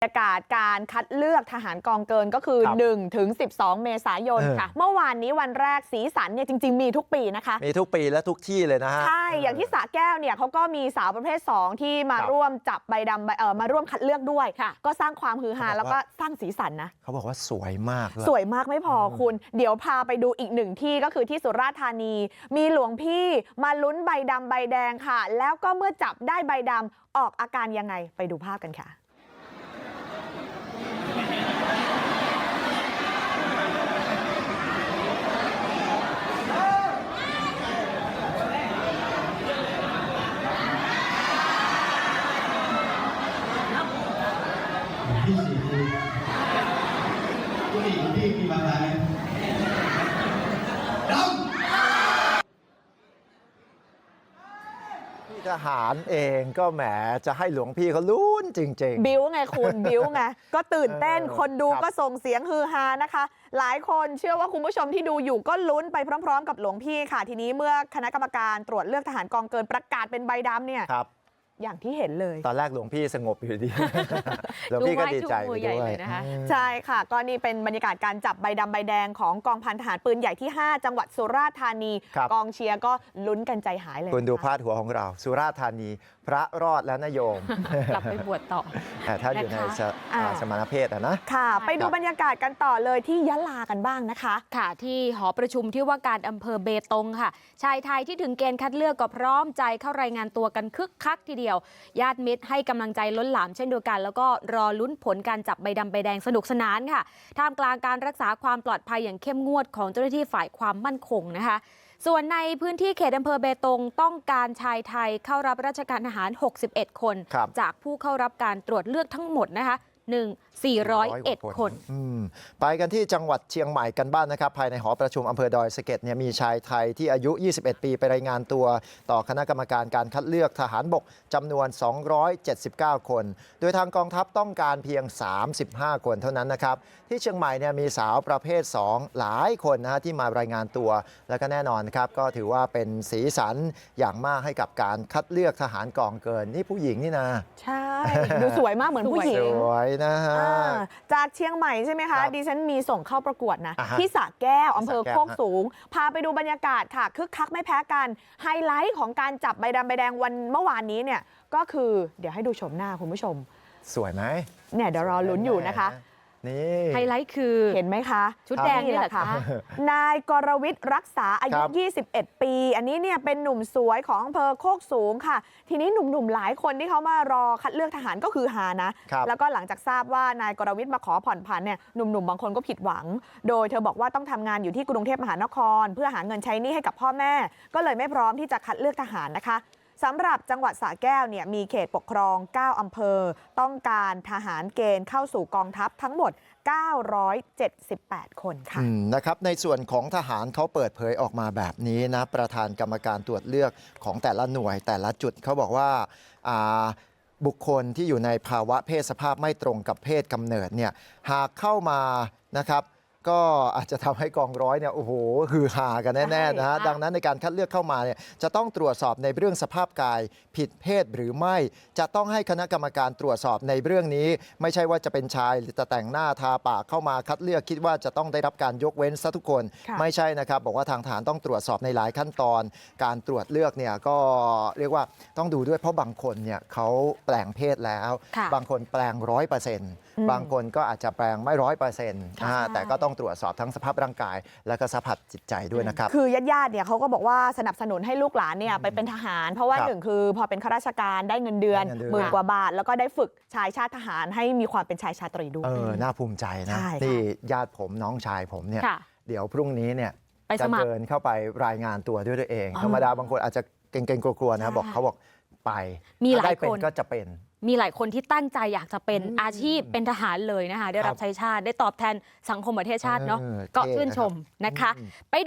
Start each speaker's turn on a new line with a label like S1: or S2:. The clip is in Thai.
S1: บรรยากาศการคัดเลือกทหารกองเกินก็คือ1 ถึง 12 เมษายนค่ะเมื่อวานนี้วันแรกสีสันเนี่ยจริงๆมีทุกปีนะคะ
S2: มีทุกปีและทุกที่เลยนะฮะ
S1: ใช่อย่างที่สระแก้วเนี่ยเขาก็มีสาวประเภท2ที่มาร่วมจับใบดำมาร่วมคัดเลือกด้วยก็สร้างความฮือฮาแล้วก็สร้างสีสันนะ
S2: เขาบอกว่าสวยมาก
S1: สวยมากไม่พอคุณเดี๋ยวพาไปดูอีกหนึ่งที่ก็คือที่สุราษฎร์ธานีมีหลวงพี่มาลุ้นใบดำใบแดงค่ะแล้วก็เมื่อจับได้ใบดำออกอาการยังไงไปดูภาพกันค่ะ
S3: ที่สี่คือผู้หญิงที่มีบางรายด
S2: พี่ทหารเองก็แหมจะให้หลวงพี่เขาลุ้นจริง
S1: ๆบิ้วไงคุณบิ้วไงก็ตื่นเต้นคนดูก็ส่งเสียงฮือฮานะคะหลายคนเชื่อว่าคุณผู้ชมที่ดูอยู่ก็ลุ้นไปพร้อมๆกับหลวงพี่ค่ะทีนี้เมื่อคณะกรรมการตรวจเลือกทหารกองเกินประกาศเป็นใบดำเนี่ยอย่างที่เห็นเลย
S2: ตอนแรกหลวงพี่สงบอยู่ดี หลวงพี่ก็ดีใจไปด้วย
S1: นะคะใช่ค่ะก็นี่เป็นบรรยากาศการจับใบดำใบแดงของกองพันทหารปืนใหญ่ที่ 5 จังหวัดสุราษฎร์ธานีกองเชียร์ก็ลุ้นกันใจหายเลย
S2: คุณดูพาดหัวของเราสุราษฎร์ธานีพระรอดแล้วนะโยม
S1: กลับไปบวชต่อ
S2: ถ้าอยู่ในสมณเพศนะ
S1: ค่ะไปดูบรรยากาศกันต่อเลยที่ยะลากันบ้างนะคะ
S4: ค่ะที่หอประชุมที่ว่าการอำเภอเบตงค่ะชายไทยที่ถึงเกณฑ์คัดเลือกก็พร้อมใจเข้ารายงานตัวกันคึกคักทีเดียวญาติมิตรให้กำลังใจล้นหลามเช่นเดียวกันแล้วก็รอลุ้นผลการจับใบดำใบแดงสนุกสนานค่ะท่ามกลางการรักษาความปลอดภัยอย่างเข้มงวดของเจ้าหน้าที่ฝ่ายความมั่นคงนะคะส่วนในพื้นที่เขตอำเภอเบตงต้องการชายไทยเข้ารับราชการทหาร61 คนจากผู้เข้ารับการตรวจเลือกทั้งหมดนะคะ401 คน
S2: ไปกันที่จังหวัดเชียงใหม่กันบ้างนะครับภายในหอประชุมอำเภอดอยสะเก็ดเนี่ยมีชายไทยที่อายุ21 ปีไปรายงานตัวต่อคณะกรรมการการคัดเลือกทหารบกจำนวน279 คนโดยทางกองทัพต้องการเพียง35 คนเท่านั้นนะครับที่เชียงใหม่เนี่ยมีสาวประเภท2หลายคนนะที่มารายงานตัวแล้วก็แน่นอนครับก็ถือว่าเป็นสีสันอย่างมากให้กับการคัดเลือกทหารกองเกินนี่ผู้หญิงนี่นะ
S1: ใช่ดูสวยมากเหมือนผู้หญิง
S2: สวยนะฮะ
S1: จากเชียงใหม่ใช่ไหมคะดิฉันมีส่งเข้าประกวดนะที่สระแก้วอำเภอโคกสูงพาไปดูบรรยากาศค่ะคึกคักไม่แพ้กันไฮไลท์ของการจับใบดำใบแดงวันเมื่อวานนี้เนี่ยก็คือเดี๋ยวให้ดูชมหน้าคุณผู้ชม
S2: สวยไหม
S1: เนี่ยเดี๋ยวรอลุ้นอยู่นะคะ
S2: นี่
S4: ไฮไลท์คือ
S1: เห็นไหมคะ
S4: ชุดแดงนี่แหละค่ะ
S1: นายกรวิทย์รักษาอายุ21 ปีอันนี้เนี่ยเป็นหนุ่มสวยของอำเภอโคกสูงค่ะทีนี้หนุ่มๆหลายคนที่เขามารอคัดเลือกทหารก็คือฮานะแล้วก็หลังจากทราบว่านายกรวิทย์มาขอผ่อนผันเนี่ยหนุ่มๆบางคนก็ผิดหวังโดยเธอบอกว่าต้องทำงานอยู่ที่กรุงเทพมหานครเพื่อหาเงินใช้หนี้ให้กับพ่อแม่ก็เลยไม่พร้อมที่จะคัดเลือกทหารนะคะสำหรับจังหวัดสระแก้วเนี่ยมีเขตปกครอง9อำเภอต้องการทหารเกณฑ์เข้าสู่กองทัพทั้งหมด978 คนค่ะ
S2: นะครับในส่วนของทหารเขาเปิดเผยออกมาแบบนี้นะประธานกรรมการตรวจเลือกของแต่ละหน่วยแต่ละจุดเขาบอกว่าบุคคลที่อยู่ในภาวะเพศสภาพไม่ตรงกับเพศกำเนิดเนี่ยหากเข้ามานะครับก็อาจจะทำให้กองร้อยเนี่ยโอ้โหฮือฮากันแน่ๆนะฮะดังนั้นในการคัดเลือกเข้ามาเนี่ยจะต้องตรวจสอบในเรื่องสภาพกายผิดเพศหรือไม่จะต้องให้คณะกรรมการตรวจสอบในเรื่องนี้ไม่ใช่ว่าจะเป็นชายหรือจะแต่งหน้าทาปากเข้ามาคัดเลือกคิดว่าจะต้องได้รับการยกเว้นซะทุกคนไม่ใช่นะครับบอกว่าทางฐานต้องตรวจสอบในหลายขั้นตอนการตรวจเลือกเนี่ยก็เรียกว่าต้องดูด้วยเพราะบางคนเนี่ยเขาแปลงเพศแล้วบางคนแปลง100%บางคนก็อาจจะแปลงไม่100%แต่ก็ต้องตรวจสอบทั้งสภาพร่างกายและก็สภาพจิตใจด้วยนะครับ
S1: คือญาติๆเนี่ยเขาก็บอกว่าสนับสนุนให้ลูกหลานเนี่ยไปเป็นทหารเพราะว่าหนึ่งคือพอเป็นข้าราชการได้เงินเดือน10,000 กว่าบาทแล้วก็ได้ฝึกชายชาติทหารให้มีความเป็นชายชาตรีด้วย
S2: น่าภูมิใจนะที่ญาติผมน้องชายผมเนี่ยเดี๋ยวพรุ่งนี้เนี่ยจะเดินเข้าไปรายงานตัวด้วยตัวเองธรรมดาบางคนอาจจะเกรงๆกลัวๆนะบอกเขาบอกไป
S4: มีหลายคน
S2: ก็จะเป็น
S4: มีหลายคนที่ตั้งใจอยากจะเป็นอาชีพเป็นทหารเลยนะคะได้รับใช้ชาติได้ตอบแทนสังคมประเทศชาติเนาะก็ชื่นชมนะคะ